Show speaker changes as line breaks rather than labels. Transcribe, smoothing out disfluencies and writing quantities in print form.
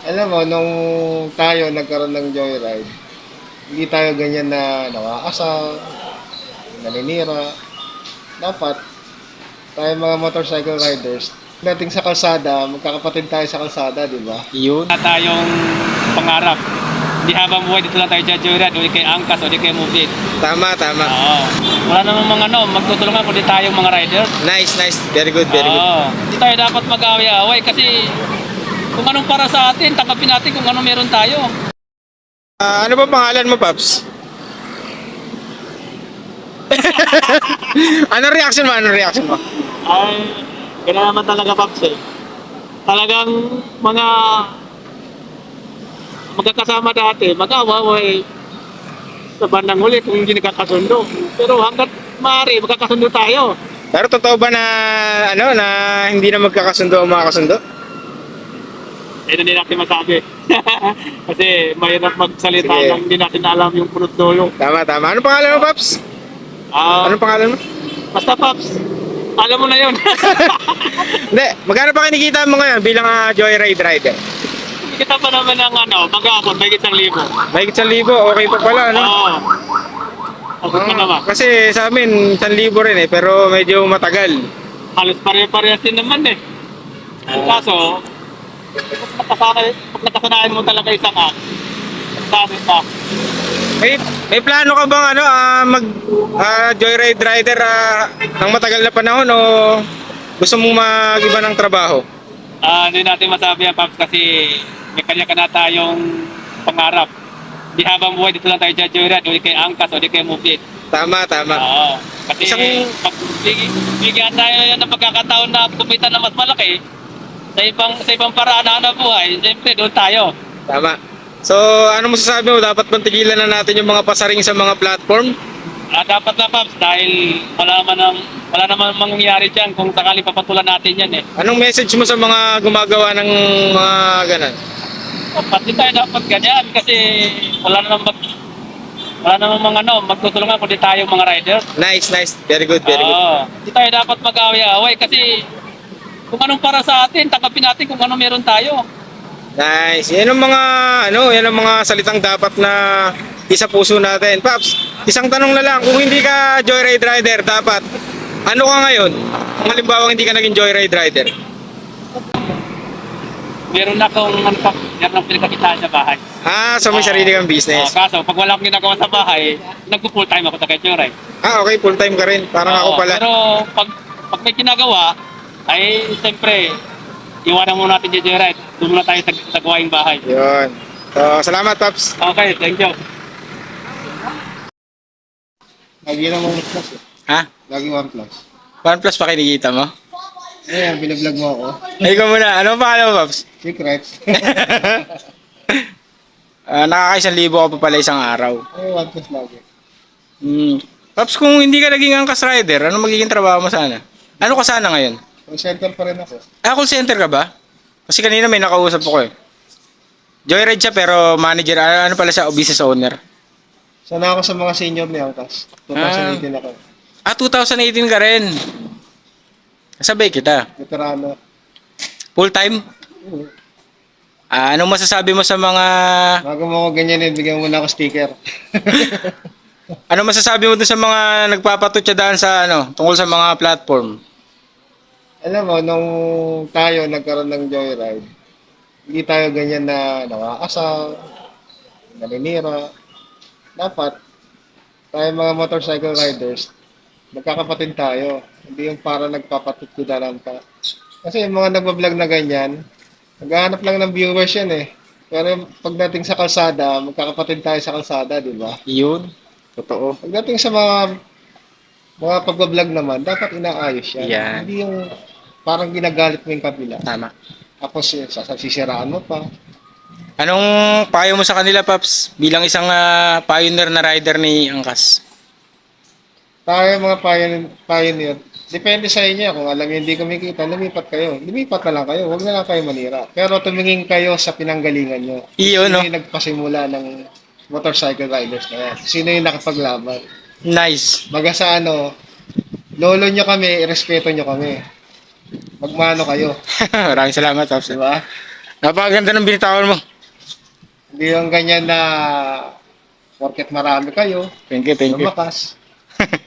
Alam mo, nung tayo nagkaroon ng joyride, hindi tayo ganyan na nakakasal, naninira. Dapat, tayo mga motorcycle riders, dating sa kalsada, magkakapatid tayo sa kalsada, di ba?
Yun.
Wala tayong pangarap. Di habang buhay dito lang tayo jajuran o di kay angkas o di kay mubit.
Tama, tama.
Oo. Wala namang mga magtutulungan kundi tayong mga riders.
Nice, nice. Very good, very good.
Oo. Hindi tayo dapat mag-away-away kasi kung anong para sa atin, tanggapin natin kung ano meron tayo.
Ano ba pangalan mo, Paps? Ano reaction mo? Ano reaction mo?
Ay, ganun naman talaga, Paps eh. Talagang mga magkakasama dati, mag-away sa bandang huli kung hindi nagkakasundo. Pero hanggat maaari, magkakasundo tayo.
Pero totoo ba na ano na hindi na magkakasundo ang mga kasundo?
Ayun hindi natin masabi. Kasi mahirap magsalita
Sige.
nang hindi natin alam yung punot dulo.
Tama, tama. Ano pangalan mo, Paps? Anong pangalan mo?
Basta Paps, alam mo na yun.
Hindi, magkano pa kinikita mo ngayon bilang joyride rider?
Kita pa naman ng mag-aabot, may 1,000.
May 1,000, okay pa pala, no?
Oo. Abot pa naman.
Kasi sa amin, 1,000 rin eh, pero medyo matagal.
Halos pare-parehas din naman eh. Ang kaso, pag nakasanayan mo talaga isang sabi pa,
May plano ka bang mag joyride rider ng matagal na panahon o gusto mong mag-iba ng trabaho?
hindi natin masabi yan, Paps, kasi may kanya-kanya tayong pangarap. Di habang buhay dito lang tayo jajuran o di kay angkas o di kay mubit.
Tama, tama.
Oo. Kasi
Isang-
pag bigyan tayo yan ng pagkakataon na kumita na mas malaki sa ibang paraan na hanap buhay, siyempre doon tayo.
Tama. So, ano masasabi mo? Dapat bang tigilan na natin yung mga pasaring sa mga platform?
Dapat na, Paps, dahil wala naman mangyayari dyan kung sakali papatulan natin yan eh.
Anong message mo sa mga gumagawa ng mga ganan?
Pati tayo dapat ganyan kasi wala namang mga magtutulungan kundi tayo mga riders.
Nice, nice. Very good, very good.
Oo. Hindi tayo dapat mag-away-away kasi kung anong para sa atin, tanggapin natin kung ano meron tayo.
Nice. Yan ang mga salitang dapat na isa puso natin. Paps, isang tanong na lang. Kung hindi ka joyride rider, dapat ano ka ngayon? Kung halimbawa hindi ka naging joyride rider.
Meron akong pinagkakitaan sa bahay.
So may sarili kang business.
Kaso, pag wala akong ginagawa sa bahay, nagpo-full time ako sa Ketchuray.
Okay, full time ka rin. Parang ako pala.
Pero pag may ginagawa, ay siyempre, iwanan muna natin yung Joyride. Doon muna tayo sa gawaing bahay.
Yun. So, salamat, Paps.
Okay, thank you.
Lagi lang 1 plus eh.
Ha?
Lagi 1 plus.
OnePlus pa kinikita mo?
Ayan, binablog mo ako.
Ikaw muna. Ano pa alam mo, Paps?
Secret.
Nakaka-1,000 ka pa pala isang araw.
Ay, 1 plus lagi.
Paps, kung hindi ka naging angkas rider, ano magiging trabaho mo sana? Ano ka sana ngayon?
Call center pa rin ako.
Call center ka ba? Kasi kanina may nakausap ako eh. Joyride siya pero manager, ano pala siya, o business owner.
Sana ako sa mga senior ni Angkas. 2018 ako.
2018 ka rin. Sabay kita.
Veterano.
Full time? Anong masasabi mo sa mga...
Bago mo ako ganyanin, bigyan mo na ako sticker.
Ano masasabi mo dun sa mga nagpapatutsadahan sa tungkol sa mga platform?
Alam mo, nung tayo nagkaroon ng joyride, hindi tayo ganyan na nakakasal, naninira. Dapat, tayo mga motorcycle riders, magkakapatid tayo. Hindi yung para nagpapatutkudaran ka. Kasi yung mga nagbablog na ganyan, naghahanap lang ng viewers yan eh. Pero pagdating sa kalsada, magkakapatid tayo sa kalsada, di ba?
Yun. Totoo.
Pagdating sa mga pagbablog naman, dapat inaayos yan.
Yan.
Hindi yung parang ginagalit mo yung kabila.
Tama.
Tapos sisiraan mo pa.
Anong payo mo sa kanila, Paps? Bilang isang pioneer na rider ni Angkas.
Tayo mga pioneer, depende sa inyo. Kung alam niyo hindi kumikita, lumipat kayo. Lumipat na lang kayo. Huwag na lang kayo manira. Pero tumingin kayo sa pinanggalingan nyo.
Iyon, no?
Sino yung nagpasimula ng motorcycle riders na yan? Sino yung nakapaglaban?
Nice.
Baga sa lolo nyo kami, irespeto nyo kami. Magmano kayo.
Maraming salamat, Paps.
Di ba?
Napakaganda ng binitawan mo.
Hindi yung ganyan na porket marami kayo,
Thank you, thank you.
lumakas.